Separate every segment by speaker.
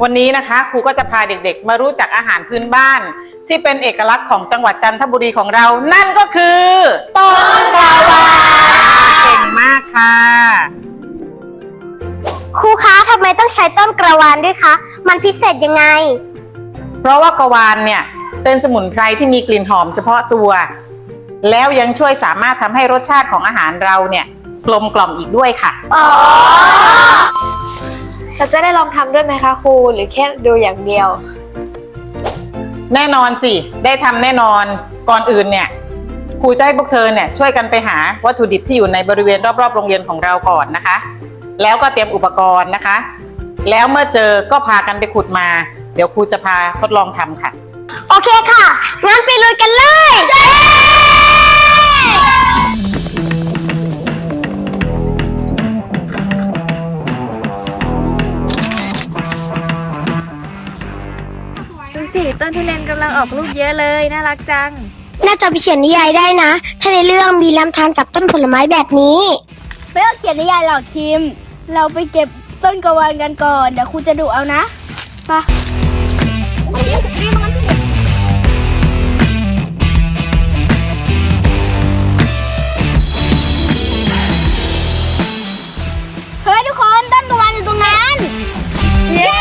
Speaker 1: วันนี้นะคะครูก็จะพาเด็กๆมารู้จักอาหารพื้นบ้านที่เป็นเอกลักษณ์ของจังหวัดจันทบุรีของเรานั่นก็คือ
Speaker 2: ต้นกวา
Speaker 1: เก่งมากค่ะ
Speaker 2: ครูคะทำไมต้องใช้ต้นกระวานด้วยคะมันพิเศษยังไง
Speaker 1: เพราะว่ากวานเนี่ยเป็นสมุนไพรที่มีกลิ่นหอมเฉพาะตัวแล้วยังช่วยสามารถทำให้รสชาติของอาหารเราเนี่ยกลมกล่อมอีกด้วยค่ะ
Speaker 3: เราจะได้ลองทำด้วยไหมคะครูหรือแค่ดูอย่างเดียว
Speaker 1: แน่นอนสิได้ทำแน่นอนก่อนอื่นเนี่ยครูจะให้พวกเธอเนี่ยช่วยกันไปหาวัตถุดิบที่อยู่ในบริเวณรอบๆโรงเรียนของเราก่อนนะคะแล้วก็เตรียมอุปกรณ์นะคะแล้วเมื่อเจอก็พากันไปขุดมาเดี๋ยวครูจะพาทดลองทำค่ะ
Speaker 2: โอเคค่ะงั้นไปลุยกันเลย
Speaker 3: ดูสิต้นทุเรียนกำลังออกลูกเยอะเลยน่ารักจัง
Speaker 2: น่าจะไปเขียนนิยายได้นะถ้าในเรื่องมีลำธารกับต้นผลไม้แบบนี้
Speaker 4: ไม่ต้องเขียนนิยายหรอกคิมเราไปเก็บต้นกระวานกันก่อนเดี๋ยวครูจะดุเอานะไปเฮ้ยทุกคนต้นกระวานอยู่ตรงนั้นเย้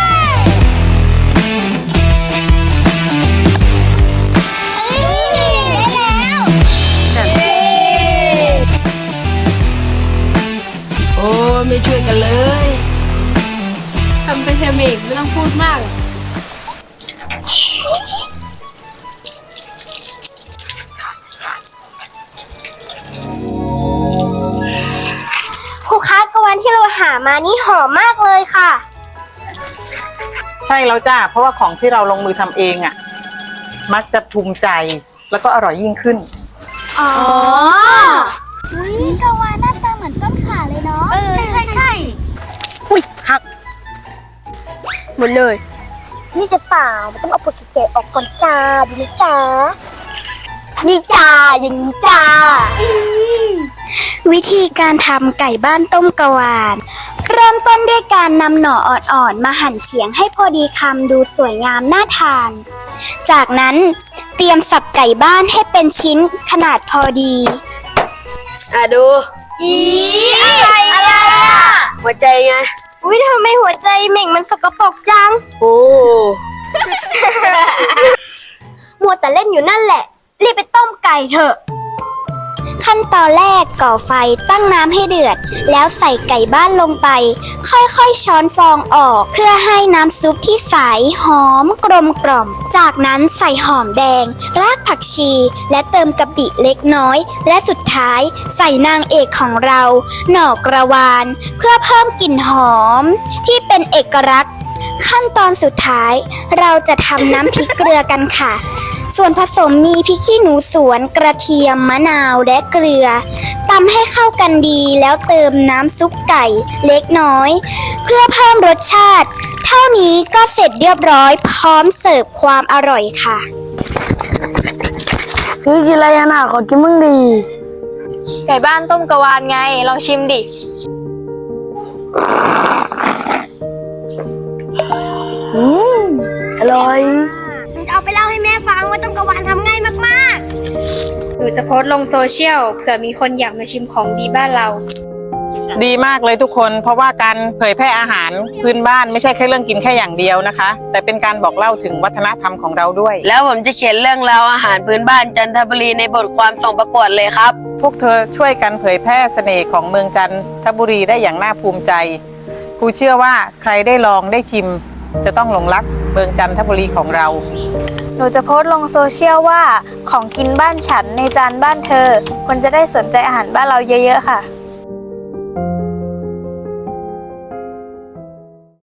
Speaker 5: ไม่ช่วยกันเลย
Speaker 3: ทำไปเถอะเมกไม่ต้องพูดมาก
Speaker 2: ครูคะกระวานที่เราหามานี่หอมมากเลยค่ะ
Speaker 1: ใช่แล้วจ้าเพราะว่าของที่เราลงมือทำเองอ่ะมักจะภูมิใจแล้วก็อร่อยยิ่งขึ้น
Speaker 2: อ๋อกระวานหน้าตาเหมือนต้นขาเลยเนาะใช่
Speaker 4: อุ้ยหักหมดเลย
Speaker 2: นี่จะเปล่ามันต้องเอาผลแก่ออกก่อนจ้าดูนะจ้านี่จ้าอย่างนี้จ้าวิธีการทำไก่บ้านต้มกระวานเริ่มต้นด้วยการนำหน่ออ่อนๆมาหั่นเฉียงให้พอดีคำดูสวยงามน่าทานจากนั้นเตรียมสับไก่บ้านให้เป็นชิ้นขนาดพอดี
Speaker 5: ดู
Speaker 2: อะไรอ่ะ
Speaker 5: หัวใจไง
Speaker 2: อุ้ยทำไมหัวใจเหม่งมันสกปรกจัง
Speaker 5: โอ้
Speaker 2: มัวแต่เล่นอยู่นั่นแหละรีบไปต้มไก่เถอะขั้นตอนแรกก่อไฟตั้งน้ำให้เดือดแล้วใส่ไก่บ้านลงไปค่อยๆช้อนฟองออกเพื่อให้น้ำซุปที่ใสหอมกลมกล่อมจากนั้นใส่หอมแดงรากผักชีและเติมกะปิเล็กน้อยและสุดท้ายใส่นางเอกของเราหน่อกระวานเพื่อเพิ่มกลิ่นหอมที่เป็นเอกลักษณ์ขั้นตอนสุดท้ายเราจะทำน้ำพริกเกลือกันค่ะส่วนผสมมีพริกขี้หนูสวนกระเทียมมะนาวและเกลือตำให้เข้ากันดีแล้วเติมน้ำซุปไก่เล็กน้อยเพื่อเพิ่มรสชาติเท่านี้ก็เสร็จเรียบร้อยพร้อมเสิร์ฟความอร่อยค่ะ
Speaker 5: คือกินอะไรน่ะขอกินมั่งดี
Speaker 3: ไก่บ้านต้มกระวานไงลองชิมดิ
Speaker 5: อร่อย
Speaker 2: เอาไปเล่าให้แม่ฟังว่าต้มกระวานทำง่ายมาก
Speaker 3: หนูจะโพสต์ลงโซเชียลเผื่อมีคนอยากมาชิมของดีบ้านเรา
Speaker 1: ดีมากเลยทุกคนเพราะว่าการเผยแพร่อาหารพื้นบ้านไม่ใช่แค่เรื่องกินแค่อย่างเดียวนะคะแต่เป็นการบอกเล่าถึงวัฒนธรรมของเราด้วย
Speaker 5: แล้วผมจะเขียนเรื่องราวอาหารพื้นบ้านจันทบุรีในบทความส่งประกวดเลยครับ
Speaker 1: พวกเธอช่วยกันเผยแพร่เสน่ห์ของเมืองจันทบุรีได้อย่างน่าภูมิใจครูเชื่อว่าใครได้ลองได้ชิมจะต้องหลงรักเมืองจันทบุรีของเรา
Speaker 3: หนูจะโพสต์ลงโซเชียลว่าของกินบ้านฉันในจานบ้านเธอคนจะได้สนใจอาหารบ้านเราเยอะๆค่ะ